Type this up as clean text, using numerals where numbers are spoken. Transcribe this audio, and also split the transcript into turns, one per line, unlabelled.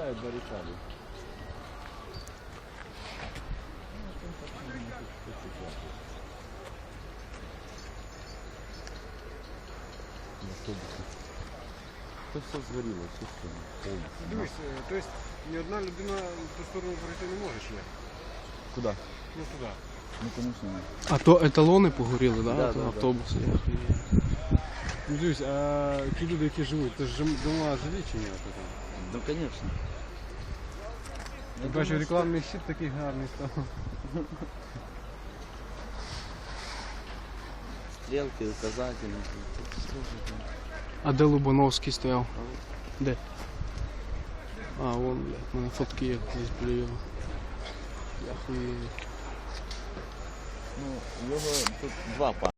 поставят баррикады. Автобусы. Это все сгорело, все полностью.
Дивись, то есть ні одна людина в ту сторону пройти не може ще?
Куда?
Ну туди.
Ну, конечно, нет.
А то еталони погоріли, да?
Да,
Ото
да, да.
автобуси.
Ну дивись, а ті люди, які живуть, це ж дома жилі чи ні?
Ну, конечно.
Я бачу, рекламний щит такий гарний став.
Стрелки, указатели.
А де Лубановський стояв? Де? А, вон, блядь, у мене фотки є десь біля його. Я хуєю.
Ну, його тут два